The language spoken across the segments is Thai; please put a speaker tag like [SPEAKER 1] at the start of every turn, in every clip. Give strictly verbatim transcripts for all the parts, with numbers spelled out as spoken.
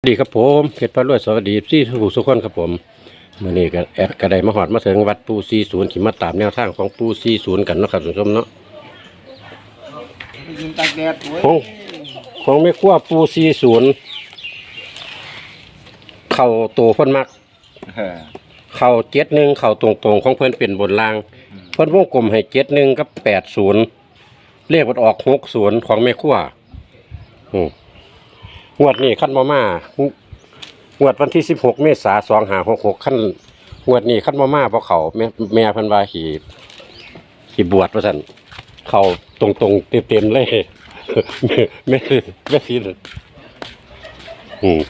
[SPEAKER 1] สวัสดีครับผมเพชรพระรวยสวัสดีที่ทุกทุกคนครับผมเมื่อนี้ก็แอดกระไดมาหอดมาถึงวัดปูซีศูนย์ขี่มาตามแนวทางของปูซีศูนย์กันเนาะครับทุกท่านเนาะของของไม่ขั้วปูซีศูนย์เข่าโตเพิ่นมักเข่าเจ็ดหนึ่งเข่าตรงๆของเพิ่นเป็นบนล่างเพิ่นวงกลมให้เจ็ดหนึ่งกับแปดศูนย์เลขมันออกหกศูนย์ของไม่ขั้วอืมงวดนี้ขั้นมามางวดวันที่สิบหกเมษายนสองห้าหกหกขั้นงวดนี้ขั้นมาม่าเพราะเขาแม่แม่พันวาขี่ขี่บวชว่าสันเขาตรงตรงเต็มเต็มเลยแม่แม่ซีนอืม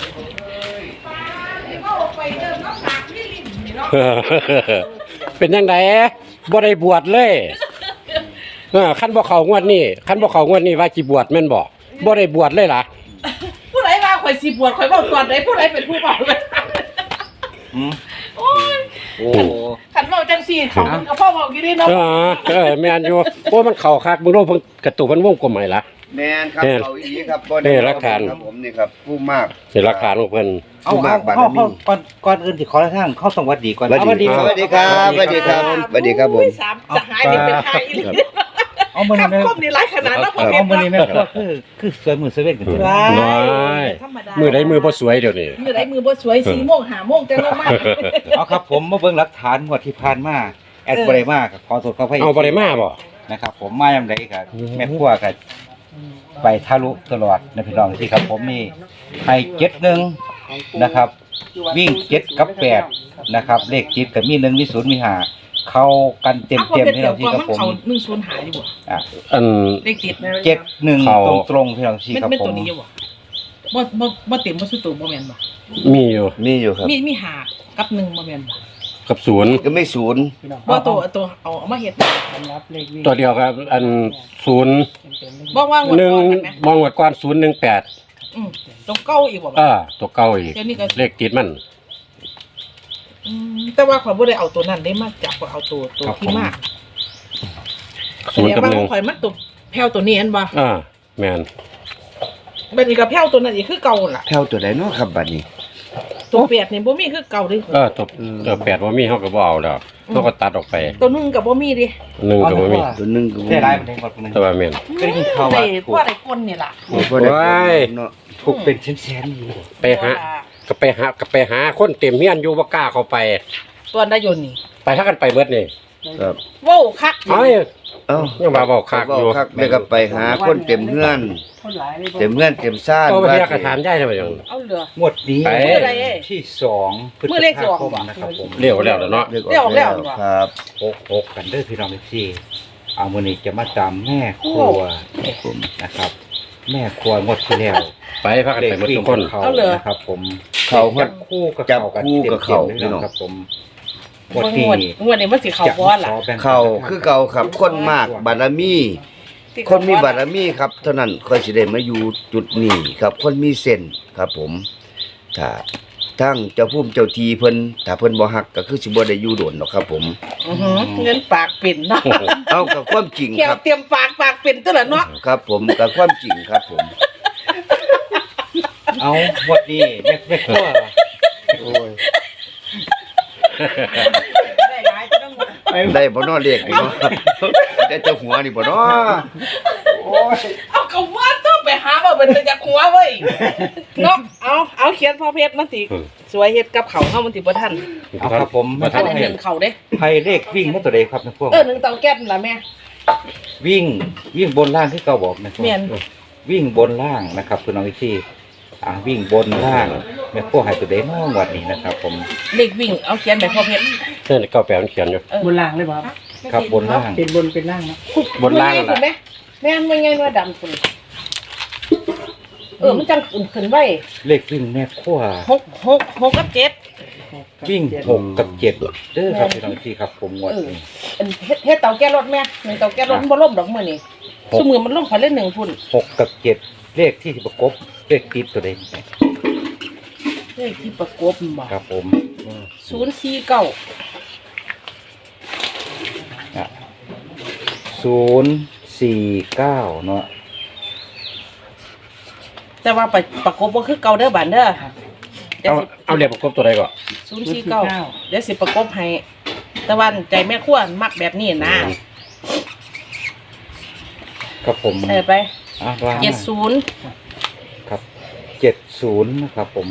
[SPEAKER 1] เป็นยังไงบ่ได้บวชเลยขั้นบ่เขางวดนี้ขั้นบ่เขางวดนี้ว่าขี่บวชแม่นบ่บ่ได้บวชเลยล่ะ
[SPEAKER 2] ผู้ใดว่าข่อยสิบวชข่อยบอกก่อนไหนผู้ใดเป็นผู้บอกเลยโอ้ยโอ้ขันเมาจังสี่เขามันก็พ่อบอกกี่ดีเนาะ
[SPEAKER 1] เออแม่นอยู่โอ้มันเข่าคักมึงโน้เพิ่งกระตุกมันวงกลมใหม่ละ
[SPEAKER 3] แม่นครับเขาอีครับบ่
[SPEAKER 1] ได้รักฐาน
[SPEAKER 3] ครับผมนี่ครับผู้มาก
[SPEAKER 1] เห็นรักฐานของเพิ่น
[SPEAKER 4] ผู้มากบารมีก่อนก่อนอื่นสิขอทางเข้าสวัสดีก่อน
[SPEAKER 3] สวัสดีสวัสดีครับสวัสดีครับสวัสดีครับผม
[SPEAKER 2] สามจะหายเป็นเป็นหายอีก
[SPEAKER 4] เอามือนี่
[SPEAKER 2] คมนี่หลายขนาดแล้วพอ
[SPEAKER 4] เอามือนี่แม่ก็คือคือสวยมือเซเว่นกัน
[SPEAKER 1] น้อยมือใดมือบ่สวยเดี๋ยวนี้
[SPEAKER 2] มือใดมือบ่สวยสี่โมงห้าโมงจังลงมา
[SPEAKER 4] เอาครับผมมาเบิ่งหลักฐานงวดที่ผ่านมาแอดบ่ได้มาขอโทษขออภัย
[SPEAKER 1] เอาบ่ได้มาบ่
[SPEAKER 4] นะครับผมมายามใดครับแม่ครัวก็ไปทะลุตลอดนะพี่น้องที่ครับผมมีให้เจ็ดหนึ่งนะครับวิ่งเจ็ดกับแปดนะครับเลขจิตกับมีหนึ่งมีศูนย์มีห้าเข้ากันเต็มเต็มพี่น้องที่ครับผม
[SPEAKER 2] หนึ่งศูนย์หายอยู่บ่
[SPEAKER 1] อ่ะอัน
[SPEAKER 2] เลขติด
[SPEAKER 4] เจ็ดหนึ่งตรงตรงพี่น้องที่ครับผม
[SPEAKER 2] ไม่ตัวนี้บ่บ่บ่บ่เต็มบ่สุดตัวบ่แม่นบ่
[SPEAKER 1] มีอยู่
[SPEAKER 3] มีอยู่ครับ
[SPEAKER 2] มีมีหากับหนึ่งบ่แม่นบ่
[SPEAKER 1] กับศูนย์
[SPEAKER 3] ก็ไม่ศูนย์
[SPEAKER 2] บ่ตัวตัวเอาเอามาเฮ็ด
[SPEAKER 1] ตัวเดียวครับอันศูนย์
[SPEAKER 2] บ่ว่าง
[SPEAKER 1] หนึ่งมองงวดก่อนศูนย์หนึ่งแปด
[SPEAKER 2] อืมตัวเก่าอีกบ่
[SPEAKER 1] อ่าตัวเก่าอีกเลขติดมัน
[SPEAKER 2] แต่ว่าข่อยบ่ได้เอาตัวนั้นได้มาจับก็เอาตัวตัวที่มาก
[SPEAKER 1] ศูนย์กับหนึ่ง
[SPEAKER 2] ข่อยมันตัวแผ่วตัวนี้อันบ่
[SPEAKER 1] อ่าแม่น
[SPEAKER 2] บัดนี้ก็แผ่วตัวนั้นอีกคือเก่าล่ะ
[SPEAKER 3] แผ่วตัวใดเนาะครับบัดนี้
[SPEAKER 2] ตัวแปดนี่บ่มีคือเก่าเด้
[SPEAKER 1] เออตัวตัวแปดบ่มีเฮาก็บ่เอาแล้วเฮาก็ตัดออกไป
[SPEAKER 2] ตัวนึงก็บ่มีดิ
[SPEAKER 1] หนึ่งก็บ่มี
[SPEAKER 3] ตัวนึงก็บ่มี
[SPEAKER 4] ได้หลายประเด็นก่อนนึง
[SPEAKER 1] แต่ว่าแม่น
[SPEAKER 4] ได้ยินข่าวว่า
[SPEAKER 2] ถูกได้คนนี่ล่ะ
[SPEAKER 1] โอ้ย
[SPEAKER 3] เนาะ
[SPEAKER 4] ถูกเป็นแสนๆอยู่
[SPEAKER 1] ไปหาก็ไปหาก็ไปหาคนเต็มเฮียนอยู่บ่กล้าเข้าไป
[SPEAKER 2] ตัวได้ยนนี่
[SPEAKER 1] ไปถ้ากันไปเบิดนี่
[SPEAKER 3] ครับ
[SPEAKER 2] ว้าวคัก
[SPEAKER 1] เอ้ยเอ้ายังมาบอกคักอยู่
[SPEAKER 3] แล้วก็ไปหาคนเต็มเฮือนเต็มเฮือนเต็มซ่าน
[SPEAKER 1] เอาไปเรียกกระถามได้ซั่นบ่จัง
[SPEAKER 2] เอาเหลือง
[SPEAKER 4] วดนี้ที่สองพฤษภาคมนะครับผม
[SPEAKER 1] เรียกแล้วเนาะ
[SPEAKER 2] เรียกแล้ว
[SPEAKER 3] ครับ
[SPEAKER 4] หก หกกันเด้อพี่น้องที่เอามื้อนี้จะมาตามแม่ครัวนะครับแม่ครัวงดที่แล้ว
[SPEAKER 1] ไปพากันไปหมดทุกคน
[SPEAKER 4] เอาเหรอนะครับผม
[SPEAKER 3] เขา
[SPEAKER 4] จับคู่กับ
[SPEAKER 3] จับคู่กับเขาพี่น้อง
[SPEAKER 4] ครับผม
[SPEAKER 2] งวดนี้งวดนี้มันสิเข้าบ่ล่ะ
[SPEAKER 3] เขาคือเก่าครับคนมากบารมีคนมีบารมีครับเท่านั้นค่อยสิได้มาอยู่จุดนี้ครับคนมีเส้นครับผมถ้าทั้งเจ้าภูมิเจ้าทีเพิ่นถ้าเพิ่นบ่ฮักก็คือสิบ่ได้อยู่โดนหรอกครับผม
[SPEAKER 2] อือฮึเงินปากเป็นเนาะ
[SPEAKER 3] เอากับความจริงครับ
[SPEAKER 2] เตรียมปากปากเป็นตัวละเนาะ
[SPEAKER 3] ครับผมกับความจริงครับผม
[SPEAKER 4] เอางวดนี้แม่แม่ครัวโอ้ย
[SPEAKER 2] ได้หลายต้อง
[SPEAKER 3] ได้บ่เนาะเลขนี่เนาะได้เจ้าหัวนี่บ่เนาะ
[SPEAKER 2] โอ้ยเอาก็ว่าต้องไปหาว่าเป็นจะหัวเว้ยเนาะเอาเอาเขียนพ่อเพชรมันสิสวยเฮ็ดกับเขาเฮามันสิบ่ทัน
[SPEAKER 4] เอาครับผม
[SPEAKER 2] มาทันเห็นเขาเด้
[SPEAKER 4] ไผเลขวิ่งมาตัวใดครับแม่ครัว
[SPEAKER 2] เออหนึ่งเตาแก๊สนั่นล่ะแม่
[SPEAKER 4] วิ่งวิ่งบนล่างคือเก่าบอกนะครั
[SPEAKER 2] บแม่น
[SPEAKER 4] วิ่งบนล่างนะครับพี่น้องที่อ่าวิ่งบนล่างแม่ครัวให้ตัวใดน้องวัดนี้นะครับผม
[SPEAKER 2] เลขวิ่งเอาเขียนแบบพ่อเพชร
[SPEAKER 1] เนั่นเก้าแปดมันเขียนอยู่
[SPEAKER 2] บนล่างเลยบ่ครับ
[SPEAKER 4] ครับบนล่าง
[SPEAKER 2] เป็นบนเป็นล่างเนาะ
[SPEAKER 1] บนล่าง
[SPEAKER 2] น่ะแม่แม่นมันไงว่าดำพุ่นเออมันจังขึ้นไว้
[SPEAKER 4] เลขวิ่งแม่ครัว
[SPEAKER 2] หก หก หกกับเจ็ด
[SPEAKER 4] วิ่งหกกับเจ็ดเด้อครับพี่น้องที่ครับผมงวดนี้
[SPEAKER 2] อันเฮ็ดเฮ็ดเตาแก๊สรถแม่หนึ่งเตาแก๊สรถบ่ล่มดอกมื้อนี้ซุมื้อมันล่มคันเล่นหนึ่งพุ่น
[SPEAKER 4] หกกับเจ็ดเลขที่ประกบเลขติดตัวใด
[SPEAKER 2] เลขที่ประกบบ่
[SPEAKER 4] ครับผม
[SPEAKER 2] ศูนย์สี่เก้า
[SPEAKER 4] อ่ะศูนย์สี่เก้าเนาะ
[SPEAKER 2] แต่แต่ว่าไปประกบบ่คือเก่าเด้อบัดเด้อเดี๋ยว
[SPEAKER 1] เอา
[SPEAKER 2] สิ
[SPEAKER 1] เอาเลขประกบตัวใดก่อน
[SPEAKER 2] ศูนย์สี่เก้าเดี๋ยวสิประกบให้แต่ว่าใจแม่ครัวมักแบบนี้นะ
[SPEAKER 4] ครับผม
[SPEAKER 2] เออไป
[SPEAKER 4] อ่ะว่า
[SPEAKER 2] เจ็ดศูนย์
[SPEAKER 4] ครับเจ็ดศูนย์นะครับผม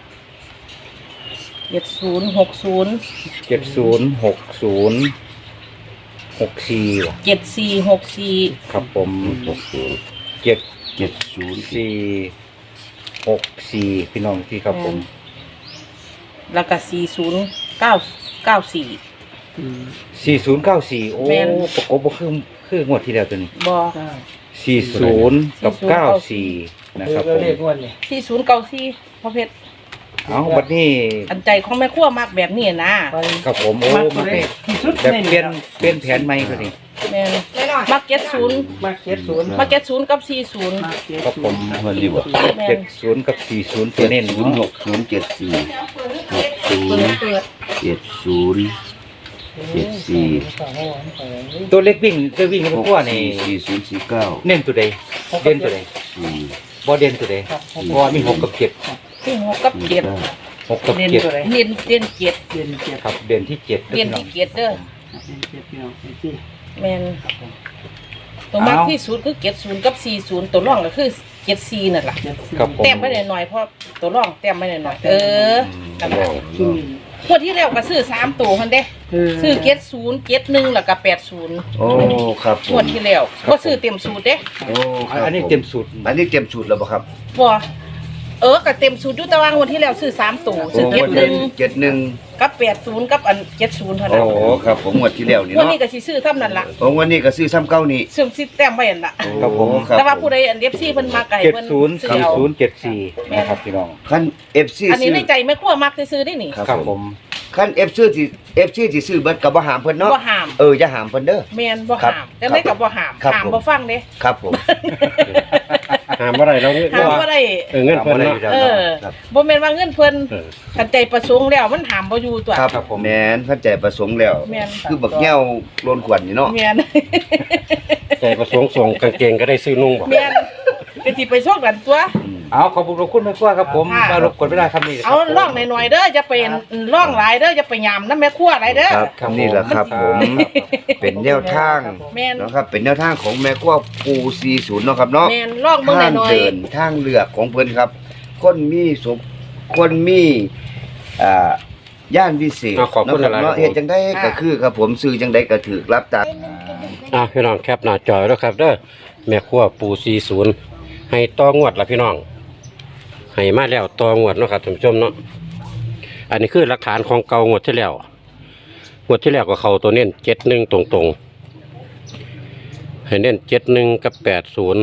[SPEAKER 2] เจ็ดศูนย์หกศูนย์
[SPEAKER 4] เจ็ดศูนย์หกศูนย์หกสี่ว่ะ
[SPEAKER 2] เจ็ดสี่หกสี่
[SPEAKER 4] ครับผม
[SPEAKER 3] หกศูนย์
[SPEAKER 4] เจ็ด
[SPEAKER 3] เจ็ดศูนย์
[SPEAKER 4] สี่หกสี่พี่น้องที่ครับผม
[SPEAKER 2] แล้วก็สี่ศูนย์เก้าเก้าสี่
[SPEAKER 4] สี่ศูนย์เก้าสี่โอ้
[SPEAKER 2] แม่น
[SPEAKER 4] ประกบบ่คือคืองวดที่แล้วตัวนี้
[SPEAKER 2] บอ
[SPEAKER 4] สี่ศูนย์กับเก้าสี่นะครับผม
[SPEAKER 2] สี่ศูนย์เก้าสี่พ่อเพชร
[SPEAKER 4] เอาบัดนี้
[SPEAKER 2] อันใจของแม่ครัวมักแบบนี้นะ
[SPEAKER 4] ครับผมโอ้มาแบบแบบเปลี่ยนเปลี่ยนแผนใหม่ก็ดี
[SPEAKER 2] แม่นมักเจ็ดศูนย์
[SPEAKER 5] มาเจ็ดศูนย์
[SPEAKER 2] มักเจ็ดศูนย์กับสี่ศูนย์
[SPEAKER 4] ครับผม
[SPEAKER 3] มันดีบ่
[SPEAKER 2] แม่
[SPEAKER 4] เจ็
[SPEAKER 2] น
[SPEAKER 4] ดศูนย์กับสี่ศูนย์ตัว
[SPEAKER 3] เจ็ด
[SPEAKER 4] เน้น
[SPEAKER 3] ศูนย์หกศูนย์เจ็ดสี่หกศู
[SPEAKER 2] เปิ
[SPEAKER 3] น
[SPEAKER 2] ด
[SPEAKER 3] ย์
[SPEAKER 2] เปิด
[SPEAKER 3] เจ็ดศูนย์เจ็ดสี่
[SPEAKER 4] ตัวเล็กวิ่งตัววิ่ง
[SPEAKER 3] ห
[SPEAKER 4] มัน
[SPEAKER 3] ก
[SPEAKER 4] กว่านี่
[SPEAKER 3] สี่สี่ศูนย์สี่เก้า
[SPEAKER 4] เน้นตัวใดเด่นตัวใด
[SPEAKER 3] สี่
[SPEAKER 4] บ่เด่นตัวใดเพราะว่ามีหกกับเจ็ด
[SPEAKER 2] ที่หกกับเจ็ด
[SPEAKER 4] หกกับ
[SPEAKER 5] เด่น
[SPEAKER 4] เจ็ด
[SPEAKER 5] ตัวไหน
[SPEAKER 2] เด่นเด่นเจ็ด
[SPEAKER 5] เด่นเจ็ด
[SPEAKER 4] ครับเด่นที่เจ็ด
[SPEAKER 2] เด่นที่เจ็ดเด้อ
[SPEAKER 5] เด่นเจ็ดพี่น้องไอ้ที่
[SPEAKER 2] แม่นตัวมากที่สุดคือเจ็ดศูนย์กับสี่ศูนย์ตัวร่องก็คือเจ็ดสี่นั่นแหละ
[SPEAKER 5] เจ็ดสี่
[SPEAKER 4] ครับผม
[SPEAKER 2] แต้มไปหน่อยๆเพราะตัวร่องแต้มไปหน่อยๆเออนั่นแหละ
[SPEAKER 5] อืม
[SPEAKER 2] งวดที่แล้วก็ซื้อสามตัวคันเด้ ซื้อเจ็ดศูนย์เจ็ดหนึ่งแล้วก็แปดศูนย์
[SPEAKER 3] โอ้ครับผ
[SPEAKER 2] งว
[SPEAKER 3] ม
[SPEAKER 2] ดที่แล้วก็ซื้อเต็มสูตรเด้
[SPEAKER 3] โอ้ครับ
[SPEAKER 4] อันนี้
[SPEAKER 3] ผ
[SPEAKER 4] เต็มสูตร
[SPEAKER 3] อันนี้เต็มสูตรแล้วบ่ครับ
[SPEAKER 2] บ่เออก็เต็มสูตรอยู่แต่ว่างวดที่แล้วซื้อสามตัวซื้อเจ็ดหนึ่ง
[SPEAKER 3] เจ็ดหนึ่ง
[SPEAKER 2] กับแปดศูนย์กับอันเจ็ดศูนย์เท่า
[SPEAKER 3] โอ้
[SPEAKER 2] นั้น
[SPEAKER 3] ครับผมงวดที่แล้วนี่
[SPEAKER 2] งวด
[SPEAKER 3] เนาะ
[SPEAKER 2] นี้ก็สิซื้อเท่านั้นล่ะ
[SPEAKER 3] โอ้วันนี้ก็ซื้อซ้ำเก้านี่
[SPEAKER 2] ซื้อสิแต้มไว้นั่นล่ะ
[SPEAKER 4] ครับผม
[SPEAKER 3] โอ้ครับ
[SPEAKER 2] แต่ว่าผู้ใดอันเอฟซีเพิ่นมาไกล
[SPEAKER 4] เจ็ด
[SPEAKER 2] เพิ่น
[SPEAKER 4] ศูนย์
[SPEAKER 2] ซื้อ
[SPEAKER 4] สี่
[SPEAKER 2] เอา
[SPEAKER 4] ศูนย์เจ็ดสี่นะครับพี่น้อง
[SPEAKER 3] คัน เอฟ ซี
[SPEAKER 2] อันนี้
[SPEAKER 3] ซื้อ
[SPEAKER 2] ในใจแม่ครัวมักซื้อๆได้นี่
[SPEAKER 3] ครับ
[SPEAKER 4] ครับ
[SPEAKER 3] ผ
[SPEAKER 4] ผม ม
[SPEAKER 3] คัน เอฟ ซี ที่ เอฟ ซี ที่ซื้อเบิดก็บ่หามเพิ่นเนาะ
[SPEAKER 2] บ่ห้าม
[SPEAKER 3] เอออย่าหามเพิ่นเด้อ
[SPEAKER 2] แม่นบ่
[SPEAKER 3] ครับ
[SPEAKER 2] ห้ามจังได๋ก็บ่ห้าม
[SPEAKER 3] ครับ
[SPEAKER 2] ห้าม
[SPEAKER 3] ผม
[SPEAKER 2] บ่ฟังเด้
[SPEAKER 3] ครับผม
[SPEAKER 1] หามอะไรเราเงิน
[SPEAKER 2] ห้ามบ่ได้
[SPEAKER 1] เออเงินเพิ่นเนาะ
[SPEAKER 2] เออ
[SPEAKER 3] ครับ
[SPEAKER 2] บ่แม่นว่าเงินเพิ่น
[SPEAKER 1] เออ
[SPEAKER 2] กันใจประสงค์แล้วมันห้ามบ่อยู่ตัว
[SPEAKER 3] ครับแม่นเข้าใจประสงค์แล้ว
[SPEAKER 2] แม่น
[SPEAKER 3] คือบักแง้วโลนขวัญนี่เนาะ
[SPEAKER 2] แม่น
[SPEAKER 1] ใจประสงค์ส่งกางเกงก็ได้ซื้อนุ่งบ่
[SPEAKER 2] แม่นก็สิไปโชคกันตัว
[SPEAKER 4] เอาขอบคุณขอบคุณแม่ครัวครับผม
[SPEAKER 2] ค่ะ
[SPEAKER 4] มารบกวนเวลาคำนี้
[SPEAKER 2] เอาล่องหน่อยๆเด้ออย่าไปล่องหลายเด้ออย่าไปยามน้ำแม่ครัวหลายเด้อ
[SPEAKER 3] ครับ
[SPEAKER 4] ครับ
[SPEAKER 3] นี่แหละครับผม เป็นแนวทาง
[SPEAKER 2] แม่น
[SPEAKER 3] เนาะครับเป็นแนวทางของแม่ครัวปูสี่สิบเนาะครับเนาะ
[SPEAKER 2] แม่นล่องเบิ่ง
[SPEAKER 3] ทาง
[SPEAKER 2] หน่อย
[SPEAKER 3] เดินทางเลือกของเพิ่นครับ คนมีสุขคนมีอ่าย่านวิเศษ
[SPEAKER 1] อ่ะขอบคุณ
[SPEAKER 3] เนาะครับ
[SPEAKER 1] หลายๆ
[SPEAKER 3] เนาะ
[SPEAKER 1] ครับผม
[SPEAKER 3] เฮ็ดจังได๋ก็คือครับผมซื้อจังได๋ก็ถูกรับตาม
[SPEAKER 1] อ่ะพี่น้องแคปหน้าจอแล้วครับเด้อแม่ครัวปูสี่ศูนย์ให้ต่องวดละพี่น้องให้มาแล้วต่องวดเนาะครับท่านผู้ชมเนาะอันนี้คือหลักฐานของเก่างวดที่แล้วงวดที่แล้วก็เข้าตัวเน้นเจ็ดหนึ่งตรงๆให้เน้นเจ็ดหนึ่งกับแปดศูนย์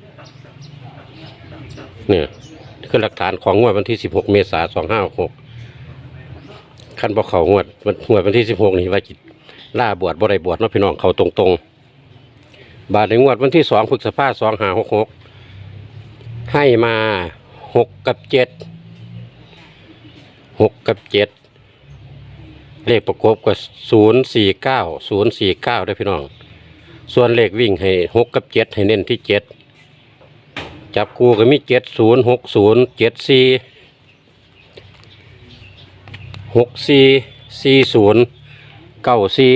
[SPEAKER 1] เนี่ยคือหลักฐานของงวดวันที่สิบหกเมษายนสองห้าหกขั้นบ่เขางวดวันงวดวันที่สิบหกนี่ว่าจิตล่าบวชบ่ได้บวชเนาะพี่น้องเขาตรงๆ บาทในงวดวันที่สองพฤษภาสองห้าหกหกให้มาหกกับเจ็ดหกกับเจ็ดเลขประกบก็ศูนย์สี่เก้าศูนย์สี่เก้าได้พี่น้อง ส่วนเลขวิ่งให้หกกับเจ็ดให้เน้นที่เจ็ดจับคู่ก็มีเจ็ดศูนย์หกศูนย์เจ็ดสี่หกสี่สี่ศูนย์เก้าสี่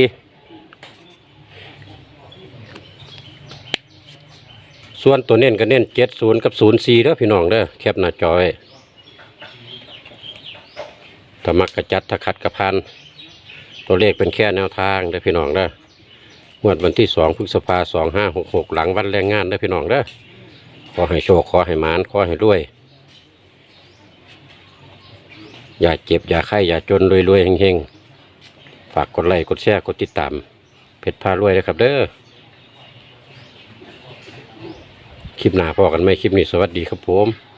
[SPEAKER 1] ส่วนตัวเน้นก็เน้นเจ็ดศูนย์กับศูนย์สี่เด้อพี่น้องเด้อแคปหน้าจอยถ้ามักกระจัดถ้าขัดกระพันตัวเลขเป็นแค่แนวทางเด้อพี่น้องเด้องวดวันที่สองพฤษภาสองห้าหกหกหลังวันแรงงานเด้อพี่น้องเด้อขอให้โชคขอให้หมานขอให้รวยอย่าเจ็บอย่าไข้อย่าจนรวยๆเฮงๆฝากกดไลค์กดแชร์กดติดตามเพชรพารวยเลยครับเด้อคลิปหน้าพอกันไหมคลิปนี้สวัสดีครับผม